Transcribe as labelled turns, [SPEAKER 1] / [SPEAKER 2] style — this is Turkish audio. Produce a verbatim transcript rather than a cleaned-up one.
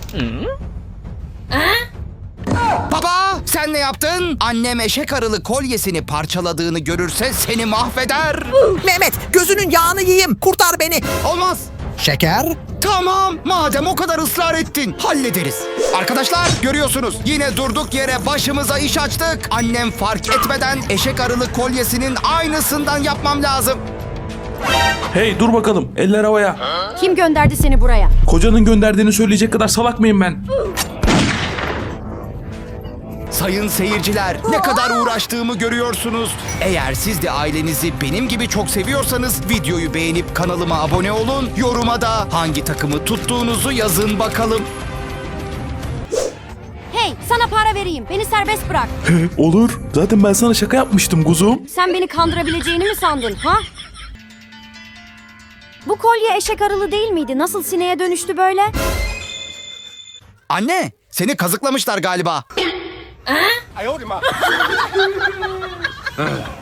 [SPEAKER 1] Baba, sen ne yaptın? Annem eşek arılı kolyesini parçaladığını görürse seni mahveder.
[SPEAKER 2] Mehmet, gözünün yağını yiyeyim. Kurtar beni.
[SPEAKER 1] Olmaz.
[SPEAKER 2] Şeker?
[SPEAKER 1] Tamam, madem o kadar ısrar ettin, hallederiz. Arkadaşlar, görüyorsunuz, yine durduk yere başımıza iş açtık. Annem fark etmeden eşek arılı kolyesinin aynısından yapmam lazım.
[SPEAKER 3] Hey dur bakalım, eller havaya.
[SPEAKER 4] Kim gönderdi seni buraya?
[SPEAKER 3] Kocanın gönderdiğini söyleyecek kadar salak mıyım ben?
[SPEAKER 1] Sayın seyirciler, ne kadar uğraştığımı görüyorsunuz. Eğer siz de ailenizi benim gibi çok seviyorsanız videoyu beğenip kanalıma abone olun. Yoruma da hangi takımı tuttuğunuzu yazın bakalım.
[SPEAKER 4] Hey, sana para vereyim. Beni serbest bırak.
[SPEAKER 3] Olur. Zaten ben sana şaka yapmıştım kuzum.
[SPEAKER 4] Sen beni kandırabileceğini mi sandın, ha? Bu kolye eşek arılı değil miydi? Nasıl sineğe dönüştü böyle?
[SPEAKER 1] Anne, seni kazıklamışlar galiba.